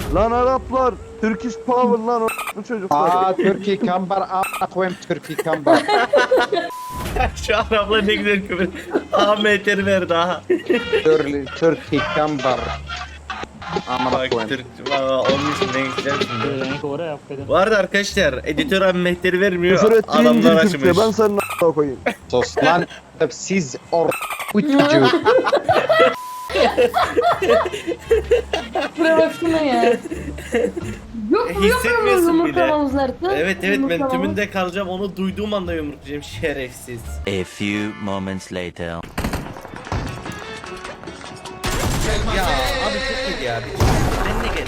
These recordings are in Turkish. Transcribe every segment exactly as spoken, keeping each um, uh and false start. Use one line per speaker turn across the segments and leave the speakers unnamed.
Lan Araplar. Turkish Power lan o bu çocuklar.
Aa Türkiye kambar a koyayım Türkiye kambar.
Şu Araplar ne güzel küfür. Ahmetleri ver daha.
Türkiye Türkiye kambar. Amına
Bak
koyayım.
Türk valla onun için ne güzel şimdi.
Renk oraya yap dedim.
Bu arada arkadaşlar editör Ahmetleri vermiyor.
Küfür ettiğin
Adamlar
dil Türkçe.
açmış.
Ben senin a**a koyayım.
Sus lan. Siz or bu çocuğu.
Buraya baksana ya. Yok mu yok mu
Hissetmiyorsun bile.
yumurtlamamız nerede?
Evet evet ben
Yumurtlamamız.
tümünde kalacağım onu duyduğum anda yumruklayacağım şerefsiz.
A few moments later.
Ya abi çok iyi ya. Sen de gel.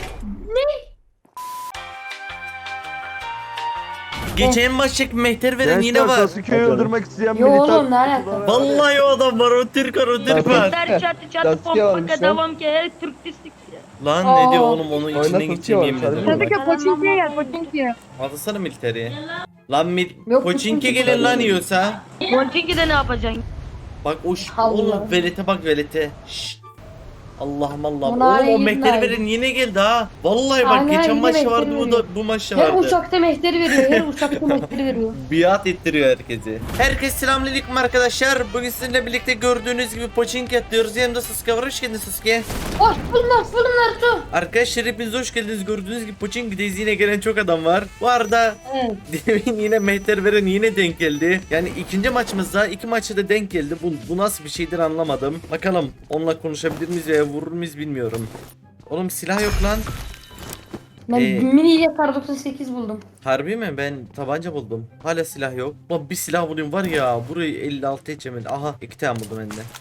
Geçen maçlık mehter veren yine
Gençler
var.
Sasuke'yi öldürmek isteyen
Yo
militer.
oğlum, ne alaka?
Vallahi o adam var o Türk var o Türk var.
Ter çatı çatı pompa devam ki her Türk distik.
Lan
Aa.
ne diyor oğlum onun içinden
Oynatın
gideceğim
ki
yemin
var,
ederim.
sarı
Sasuke Pochinki'ye gel Pochinki'ye.
Atasana militeri. Lan mil
Yok,
Pochinki
Pochinki
gelin lan yiyorsa.
Pochinki'de ne yapacaksın?
Bak o ş-
Allah.
oğlum velete bak velete. Şşt. Allah'ım Allah'ım.
Bunlar
Oğlum o
iyi
mehteri
bunlar.
verin yine geldi ha. Vallahi bak
Aynen,
geçen
yine
maç
mehteri
vardı bu
veriyor.
da bu maçta
Her
vardı.
uçakta mehteri veriyor. Her uçakta mehteri veriyor.
Biat ettiriyor herkesi. Herkes selamünaleyküm arkadaşlar. Bugün sizinle birlikte gördüğünüz gibi Pochinki atlıyoruz. Yanımda Sasuke var. Hoş geldin Sasuke.
Hoş buldum, hoş buldum Naruto.
Arkadaşlar hepiniz hoş geldiniz. Gördüğünüz gibi Pochinki'deyiz. Yine gelen çok adam var. Bu arada
Evet.
demin yine mehter veren yine denk geldi. Yani ikinci maçımızda iki maçta da denk geldi. Bu, bu nasıl bir şeydir anlamadım. Bakalım onunla konuşabilir miyiz veya vurur muyuz bilmiyorum. Oğlum silah yok lan.
Ben
Ee,
mini ile kar doksan sekiz buldum.
Harbi mi? Ben tabanca buldum. Hala silah yok. Lan bir silah bulayım var ya. Burayı elli altı edeceğim. Aha iki tane buldum ben de.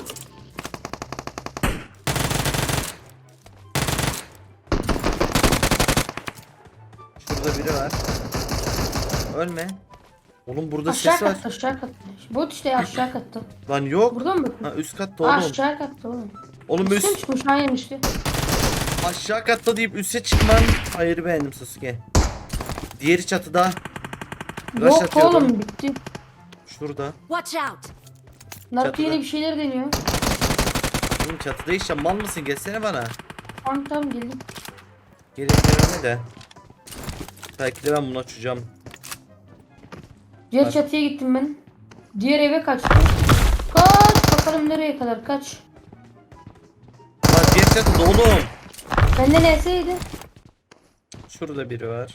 Şurada biri var. Ölme. Oğlum burada
Aşağı
ses var.
katta, aşağı katta. Bot işte aşağı katta.
Lan yok.
Burada mı?
Ha üst katta
Aa,
oğlum.
aşağı katta oğlum.
Oğlum
Üstüm
üst
çıkmış, ha yemişti.
aşağı katta deyip üste çıkman. Hayır beğendim Sasuke. Diğeri çatıda. Rush
Yok
atıyordum.
oğlum, bitti.
Şurada.
Watch out!
Naruto
Çatıda.
yine bir şeyler deniyor.
Oğlum çatıda işte mal mısın? Gelsene bana.
Tamam tamam geldim.
Gelin deneme de. Belki de ben bunu açacağım.
Diğer
Bak.
çatıya gittim ben. Diğer eve kaçtım. Kaç bakalım nereye kadar kaç.
Lan diğer çatıda oğlum.
Bende neseydi?
Şurada biri var.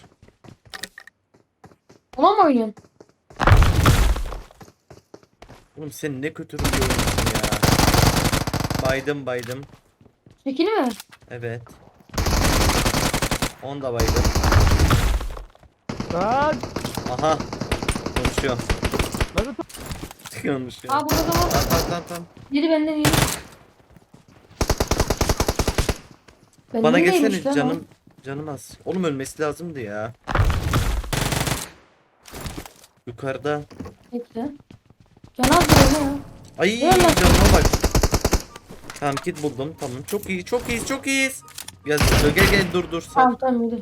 Ona mı oynuyorsun?
Oğlum sen ne kötü bir oyuncusun ya. Baydım baydım.
Çekili mi?
Evet. On da baydım.
Lan.
Aha. Konuşuyor.
Naruto.
Konuşuyor.
Aa burada da var.
Tamam tamam tamam. tamam.
Biri benden iyi. Benden
Bana
neymiş
gelsene
lan o?
canım. Canım az. Oğlum ölmesi lazımdı ya. Yukarıda.
Bekle. Can az böyle ya.
Ay
Gel lan.
canıma bak. Tamam kit buldum. Tamam çok iyi çok iyiyiz çok iyiyiz. Gel gel gel, gel dur dur. Sar.
Tamam tamam yürü.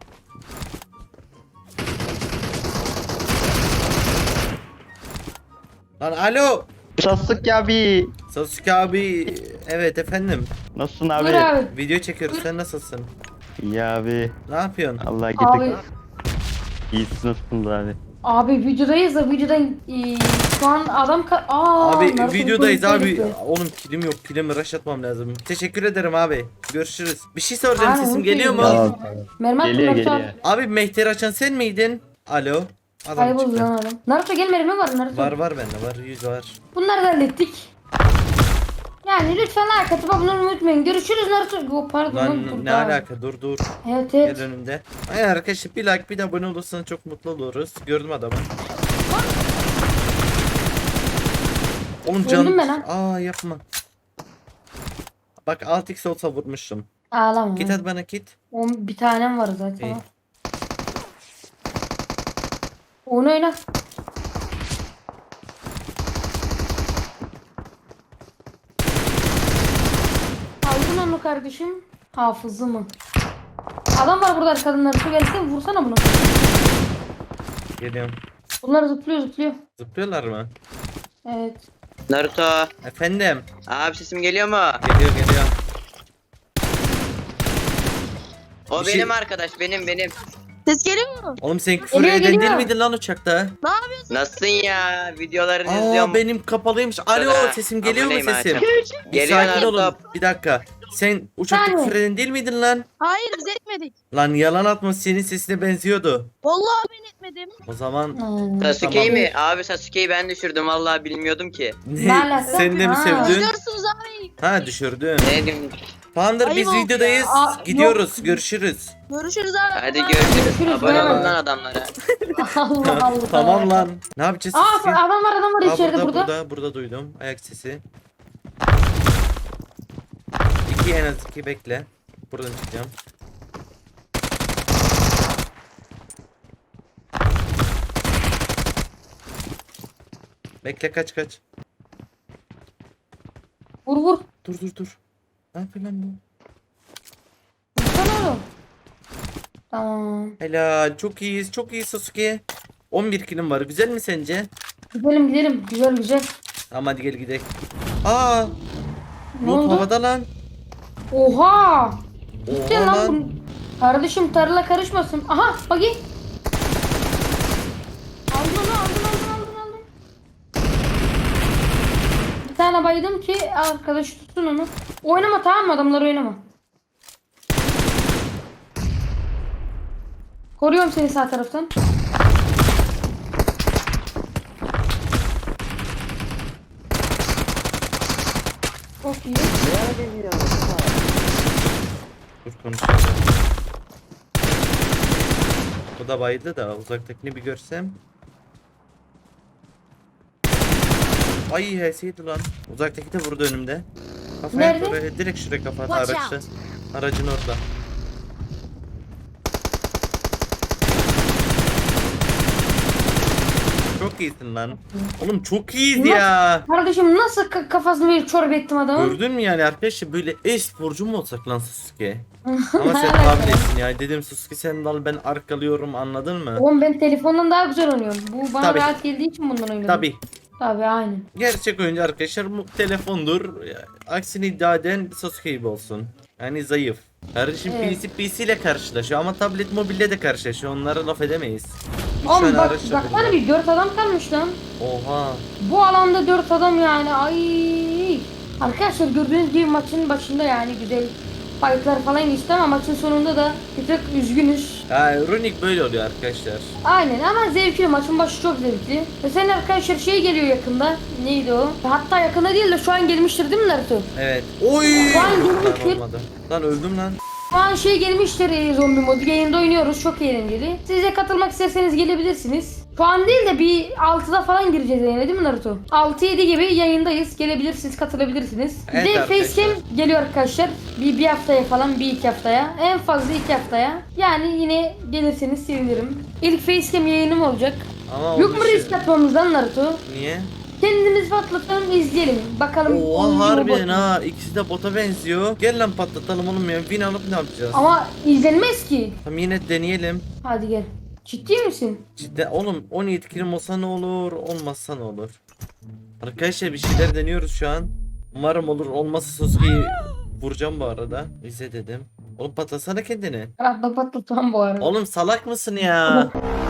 Lan alo.
Sasuke abi.
Sasuke abi. Evet efendim.
Nasılsın
Buyur
abi?
abi.
Video çekiyoruz sen nasılsın?
İyi abi.
Ne yapıyorsun?
Allah
Abi.
getir. İyisin nasılsınız abi?
Abi videodayız da videodan e, şu an adam ka- Aa,
Abi
Naruto
videodayız
bir
abi.
konuşuyor.
Oğlum kilim yok. Kilimi rush atmam lazım. Teşekkür ederim abi. Görüşürüz. Bir şey soracağım
Aynen,
sesim
onu
geliyor mu?
söylüyorum.
Tamam.
Mermi attım
Geliyor
Naruto
geliyor.
abi.
Abi mehteri açan sen miydin? Alo. Adam
Kayboldu
çıktı.
lan adam. Naruto gel mermi var Naruto.
Var var bende var. Yüz var.
Bunları da hallettik. Yani lütfen like atıp abone olmayı unutmayın. Görüşürüz Naruto. Oh, pardon lan,
Lan
dur
ne
daha.
alaka dur dur.
Evet
Gel
evet.
önümde. Ay arkadaşlar bir like bir de abone olursanız çok mutlu oluruz. Gördüm adamı. Oğlum can.
Öldüm ben ha.
Aa yapma. Bak altı x olsa vurmuştum.
Ağlama.
Git hadi bana git.
On, bir tanem var zaten.
İyi.
ha. Onu oyna. Aldın onu kardeşim. Hafızı mı? Adam var burada arkadan Naruto gelsene vursana bunu.
Geliyorum.
Bunlar zıplıyor zıplıyor.
Zıplıyorlar mı?
Evet.
Naruto.
Efendim.
Abi sesim geliyor mu?
Geliyor geliyor.
O
Bir şey-
benim arkadaş, benim benim.
Ses geliyor mu?
Oğlum sen küfür
Geliyor,
eden değil
geliyor.
miydin lan uçakta?
Nasılsın ya? Videolarını
Aa
izliyorum.
benim kapalıymış. Alo
Sonra
sesim geliyor mu
aboneyim
sesim?
Hakan.
Bir
Geliyor
sakin
lan,
olun.
stop.
Bir dakika. Sen uçakta
Saniye.
küfür eden değil miydin lan?
Hayır biz etmedik.
Lan yalan atma senin sesine benziyordu.
Vallahi ben etmedim.
O zaman
Hmm.
Sasuke'yi
Tamam.
mi? Abi Sasuke'yi ben düşürdüm vallahi bilmiyordum ki.
ne?
Ne alaka?
Sen de mi
Ha.
sevdin?
Üzüyorsunuz abi.
Ha düşürdün.
Ne diyeyim?
Tamamdır
Ayıp
biz
oldu
videodayız.
ya. Aa,
Gidiyoruz. Görüşürüz.
Görüşürüz abi.
Hadi
Bye.
görüşürüz.
Görüşürüz,
Abone
bay bay.
olun lan adamlara.
Allah Allah.
Tamam lan. Ne yapacağız?
Aa
Sasuke?
adam var adam var
Aa,
içeride
burada,
burada.
burada burada duydum ayak sesi. İki en az iki bekle. Buradan çıkacağım. Bekle kaç kaç.
Vur vur.
Dur dur dur. Ne yapıyor lan bu?
Vursana oğlum. Tamam.
Helal çok iyiyiz çok iyi Sasuke. on bir kilim var güzel mi sence?
Gidelim gidelim. Güzel güzel.
Tamam hadi gel gidelim. Aa,
Ne
loot
oldu?
havada lan.
Oha. Gitti
Oha
lan.
lan.
bu- Kardeşim tarla karışmasın. Aha bagi. Aldın onu aldın aldın aldın aldın. Bir tane baydım ki arkadaş tutsun onu. Oynama tamam mı adamlar oynama. Koruyorum seni sağ taraftan. Çok iyi.
Dur konuşalım. Bu da bayıldı da uzaktakini bir görsem. Ay heseydi lan. Uzaktaki de vurdu önümde. Kafaya
Nerede?
oraya, direkt şuraya kafa
Watch
araçta. Aracın orada. Çok iyisin lan. Oğlum çok iyiyiz ya.
Kardeşim nasıl ka- kafasını böyle çorba ettim adamın?
Gördün mü yani arkadaşlar böyle e-sporcu mu olsak lan Sasuke? Ama sen
Evet.
tabletsin ya. Dedim Sasuke sen dal ben arkalıyorum anladın mı?
Oğlum ben telefondan daha güzel oynuyorum. Bu bana
Tabii.
rahat geldiği için bundan oynuyorum.
Tabi.
Tabii aynen.
Gerçek oyuncu arkadaşlar bu telefondur. Aksini iddia eden Sasuke gibi olsun. Yani zayıf. Kardeşim
Evet.
P C P C ile karşılaşıyor ama tablet mobilde de karşılaşıyor. Onlara laf edemeyiz. Üç
Oğlum
tane
bak
araç da
baksana
burada.
bir dört adam kalmış lan.
Oha.
Bu alanda dört adam yani ay. Arkadaşlar gördüğünüz gibi maçın başında yani güzel fightlar falan geçti ama maçın sonunda da bir tık üzgünüz.
Ha Runik böyle oluyor arkadaşlar.
Aynen ama zevkli maçın başı çok zevkli. Ve senin arkadaşlar şey geliyor yakında. Neydi o? Hatta yakında değil de şu an gelmiştir değil mi Naruto?
Evet. Oy.
Lan
Lan
görmüştür.
olmadı. Lan öldüm lan.
Şu an şey gelmiştir e, zombi modu yayında oynuyoruz çok eğlenceli. Siz de katılmak isterseniz gelebilirsiniz. Şu an değil de bir altıda falan gireceğiz yayına değil mi Naruto? altı yedi gibi yayındayız gelebilirsiniz katılabilirsiniz.
Evet
Bir de
arkadaşlar.
facecam geliyor arkadaşlar. Bir, bir haftaya falan bir iki haftaya. En fazla iki haftaya. Yani yine gelirseniz sevinirim. İlk facecam yayınım olacak.
Ama
Yok
oldu
mu
şey.
risk atmamızdan Naruto?
Niye?
Kendimiz patlatalım izleyelim. Bakalım. oyuncu
Oha
mu,
harbiden
bot mu?
ha ikisi de bota benziyor. Gel lan patlatalım oğlum ya. Win alıp ne yapacağız?
Ama izlenmez ki.
Tamam yine deneyelim.
Hadi gel. Ciddi misin?
Cidden oğlum on yedi kilim olsa ne olur olmazsa ne olur. Arkadaşlar bir şeyler deniyoruz şu an. Umarım olur olmazsa Sasuke'yi vuracağım bu arada. İzle dedim. Oğlum patlasana kendini.
Rahatla patlatamam bu arada.
Oğlum salak mısın ya?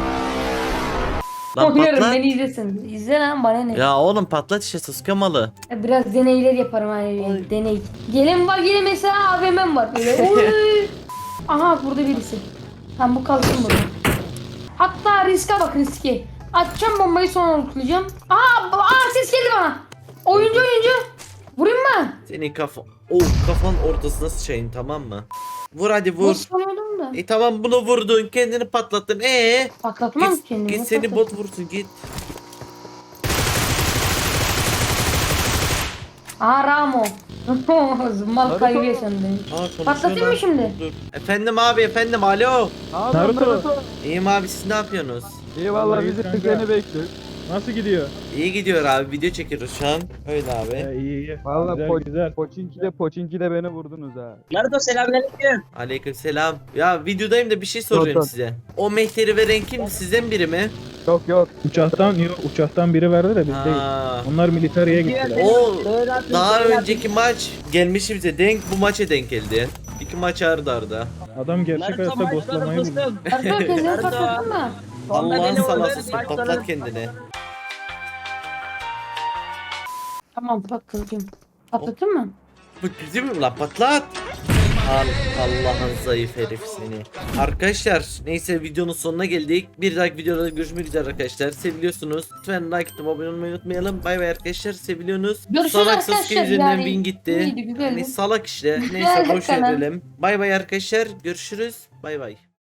Lan
Oynuyorum
patlat.
beni izlesin. İzle lan bana ne.
Ya oğlum patlat işte Sasuke malı.
Biraz deneyler yaparım hani deney. Gelin var yine mesela A V M'm var böyle. Oy. Aha burada birisi. Tamam bu kalsın burada. Hatta riske bak riske. Atacağım bombayı sonra unutlayacağım. Aa, aa ses geldi bana. Oyuncu oyuncu. Vurayım mı?
Senin kafa... Oh kafanın ortasına sıçayım tamam mı? Vur hadi vur.
Nasıl sanıyordum da.
E tamam bunu vurdun kendini patlattın. Ee?
Patlatmam
Git,
kendimi.
git seni
patlat-
bot vursun git.
Aa Ramo. Mal kaybıyor senden.
Aa, konuşuyor
Patlatayım
lan.
mı şimdi?
Dur. Efendim abi efendim alo.
Naruto.
İyiyim abi siz ne yapıyorsunuz?
Eyvallah bizi seni bekliyoruz.
Nasıl gidiyor?
İyi gidiyor abi video çekiyoruz şu an. Öyle abi.
Ee, iyi iyi.
Valla
Güzel,
po
güzel.
Poçinki'de Poçinki'de beni vurdunuz ha.
Naruto selamünaleyküm.
Aleyküm selam. Ya videodayım da bir şey soracağım
Yok, yok.
size. O mehteri veren kim? Sizden biri mi?
Yok yok.
Uçaktan yok, uçaktan biri verdi de biz değil.
Ha.
Onlar militariye gittiler.
O daha önceki maç gelmişti bize denk bu maça denk geldi. İki maç arda arda.
Adam gerçek hayatta ghostlamayı buldu.
Arda kendini patlattın mı?
Allah'ın
beni
salası
vurdu,
patlat
başlarım.
kendini.
Tamam patlatıyorum. Patlattın mı?
Bu güzel mi lan patlat? Al, Allah'ın zayıf herif seni. Arkadaşlar neyse videonun sonuna geldik. Bir dahaki videoda görüşmek üzere arkadaşlar. Seviliyorsunuz. Lütfen like atıp abone olmayı unutmayalım. Bay bay arkadaşlar, seviliyorsunuz.
Görüşürüz
Salak
arkadaşlar,
Sasuke üzerinden
yani
win gitti.
iyiydi, güzeldi.
Hani salak işte.
Güzeldi
Neyse boş
tamam.
verelim. Bay bay arkadaşlar. Görüşürüz. Bay bay.